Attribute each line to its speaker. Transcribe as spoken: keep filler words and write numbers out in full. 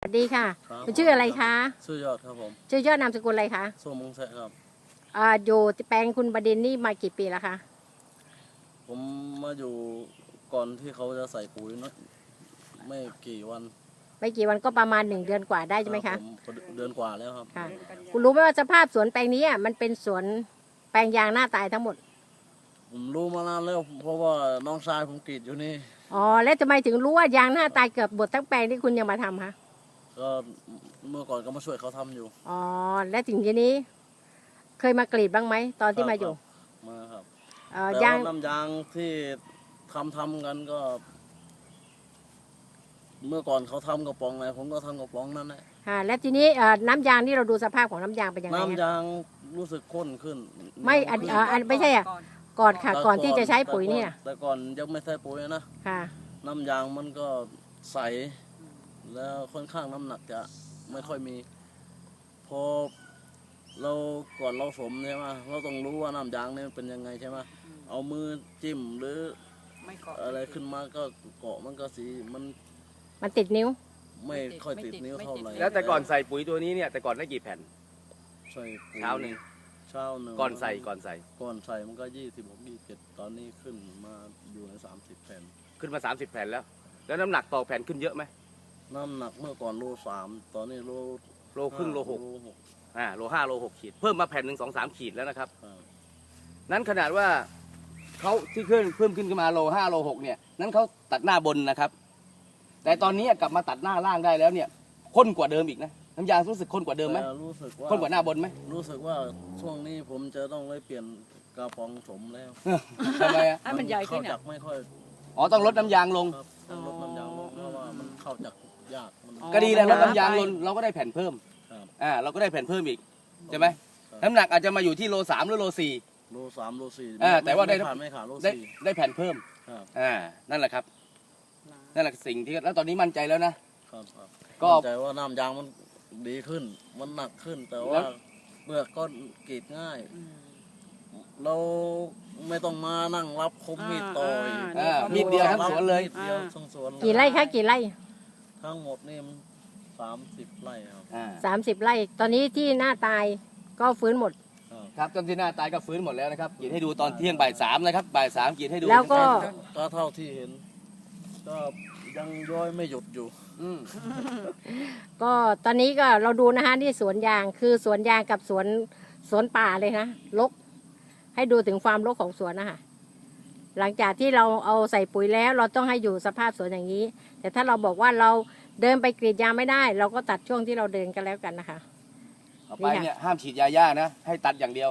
Speaker 1: สวัสดีค่ะ
Speaker 2: ครับ
Speaker 1: คุณชื่ออะไรคะ
Speaker 2: ชื่อยอดครับผม
Speaker 1: ชื่อยอดนามสกุลอะไรคะ
Speaker 2: ส้มมงแสะครับ
Speaker 1: อ่าอยู่แปลงคุณบดินทร์นี่มากี่ปีแล้วคะ
Speaker 2: ผมมาอยู่ก่อนที่เขาจะใส่ปุ๋ยเนอะไม่กี่วัน
Speaker 1: ไม่กี่วันก็ประมาณหนึ่งเดือนกว่าได้ใช่ไหม
Speaker 2: ครั
Speaker 1: คะ
Speaker 2: บผมเดือนกว่าแล้วครับ
Speaker 1: ค่ะคุณรู้ไหมว่าสภาพสวนแปลงนี้อ่ะมันเป็นสวนแปลงยางหน้าตายทั้งหมด
Speaker 2: ผมรู้มานานแล้วเพราะว่าน้องชายผมกรีดอยู่นี่
Speaker 1: อ๋อแล้วทำไมถึงรู้ว่ายางหน้าตายเกือบหมดทั้งแปลงที่คุณยังมาทำคะ
Speaker 2: ก็เมื่อก่อนก็มาช่วยเขาทำอยู่
Speaker 1: อ๋อและถึงทีนี้ เคยมากรีดบ้างไหมตอนที่มาอยู่
Speaker 2: มาครับ
Speaker 1: เอ่อ
Speaker 2: แต่
Speaker 1: ยาง
Speaker 2: ว่าน้ำยางที่ทำทำกันก็ เมื่อก่อนเขาทำกระป๋องไหนผมก็ทำกระป๋องนั้นแหละ
Speaker 1: ค่ะและทีนี้เอ่อน้ำยางที่เราดูสภาพของน้ำยางเป็นยังไง
Speaker 2: น้ำ
Speaker 1: คะ
Speaker 2: ยางรู้สึกข้นขึ้น
Speaker 1: ไม่อันเอ่ออันไม่ใช่อ่ะก่อนค่ะ ก่อนที่จะใช้ปุ๋ยเนี่ย
Speaker 2: แต่ก่อนยังไม่ใช้ปุ๋ยนะ
Speaker 1: ค่ะ
Speaker 2: น้ำยางมันก็ใส แล้วค่อนข้างน้ำหนักจะไม่ค่อยมี พอเราก่อนเราสมใช่ไหมเราต้องรู้ว่าน้ำยางเนี่ยเป็นยังไงใช่ไหมเอามือจิ้มหรือ
Speaker 3: ไม่เกาะ
Speaker 2: อะไรขึ้นมาก็เกาะมันก็สีมัน
Speaker 1: มันติดนิ้ว
Speaker 2: ไม่ค่อยติดนิ้วเท่าไหร่
Speaker 4: แล้วแต่ก่อนใส่ปุ๋ยตัวนี้เนี่ยแต่ก่อนได้กี่แผ่น
Speaker 2: ใส่ปุ๋ย
Speaker 4: เช้าหนึ่ง
Speaker 2: เช้าหนึ่ง
Speaker 4: ก่อนใส่ก่อนใส่
Speaker 2: ก่อนใส่มันก็ยี่สิบหกยี่สิบเจ็ดตอนนี้ขึ้นมาอยู่ในสามสิบแผ่น
Speaker 4: ขึ้นมา สามสิบ แผ่นแล้ว แล้วน้ำหนักต่อแผ่นขึ้นเยอะไหม
Speaker 2: น้ำหนักเมื่อก่อนโลสามตอนนี้โล
Speaker 4: โลครึ่งโลหก
Speaker 2: โลหก
Speaker 4: อ่าโลห้าโลหกขีดเพิ่มมาแผ่นหนึ่งสองสามขีดแล้วนะครับ
Speaker 2: ครับ
Speaker 4: นั้นขนาดว่าเขาที่ขึ้นเพิ่มขึ้นขึ้นมาโลห้าโลหกเนี่ยนั้นเขาตัดหน้าบนนะครับ แต่ตอนนี้กลับมาตัดหน้าล่างได้แล้วเนี่ยข้นกว่าเดิมอีกนะน้ำยางรู้สึกข้นกว่าเดิมไหม
Speaker 2: แต่รู้สึกว่า
Speaker 4: ข้นกว่าหน้าบนไหม
Speaker 2: รู้สึกว่าช่วงนี้ผมจะต้องไปเปลี่ยนกระป๋องสมแล้ว
Speaker 4: ทำไมอ่ะ
Speaker 3: ให้มันใหญ่ขึ้น
Speaker 2: เข้าจั
Speaker 3: อ่ะ
Speaker 2: กไม่ค่อย
Speaker 4: อ๋อต้องลดน้ำยางลง
Speaker 2: ครับต้องลดน้ำยางลงเพราะว่ามันเข้าจักยากมัน
Speaker 3: อ๋อ
Speaker 4: ก็ดีแล้วลดน้ำยางลงเราก็ได้แผ่นเพิ่ม
Speaker 2: ครับ
Speaker 4: อ่าเราก็ได้แผ่นเพิ่มอีกใช่ไหม
Speaker 2: ครับ
Speaker 4: น้ำหนักอาจจะมาอยู่ที่โลสามหรือโลสี่
Speaker 2: โลสามโลสี่
Speaker 4: อ่าแต่ว่าได้
Speaker 2: ม่ขาดไม่ขาดโล
Speaker 4: ได้
Speaker 2: สี่
Speaker 4: ได้แผ่นเพิ่ม
Speaker 2: ครับ
Speaker 4: อ่านั่นแหละครับนั่นแหละสิ่งที่แล้วตอนนี้มั่นใจแล้วนะครับ
Speaker 2: ครับ
Speaker 4: ก็
Speaker 2: มั่นใจว่าน้ำยางมันดีขึ้น มันหนักขึ้น แต่
Speaker 4: แล้
Speaker 2: ว่าว เปลือกก็กรีดง่าย เราไม่ต้องมานั่งรับคมมีดต่อย
Speaker 4: อ่ามีดเดียวทั้งสวนเลย
Speaker 2: มีดเดียวทั้งสวน
Speaker 1: กี่ไร่คะกี่ไร่
Speaker 2: ทั้งหมดนี่มันสามสิบไร่ครับ
Speaker 4: อ่า
Speaker 1: สามสิบไร่ ตอนนี้ที่หน้าตายก็ฟื้นหมด
Speaker 2: ครับ
Speaker 4: ครับต้นที่หน้าตายก็ฟื้นหมดแล้วนะครับกรีดให้ดูตอนเที่ยงบ่ายสามนะครับบ่ายสามกรีดให้ดู
Speaker 1: แล้วก็
Speaker 2: ก็เท่าที่เห็น ก็ยังย้อยไม่หยุดอยู่
Speaker 4: อืม
Speaker 1: ก็ตอนนี้ก็เราดูนะคะที่สวนยางคือสวนยางกับสวนสวนป่าเลยนะรกให้ดูถึงความรกของสวนนะคะหลังจากที่เราเอาใส่ปุ๋ยแล้ว เราต้องให้อยู่สภาพสวนอย่างนี้ แต่ถ้าเราบอกว่าเราเดินไปกรีดยางไม่ได้ เราก็ตัดช่วงที่เราเดินกันแล้วกันนะคะ
Speaker 4: เอาไปเนี่ยห้ามฉีดยาย่านะให้ตัดอย่างเดียว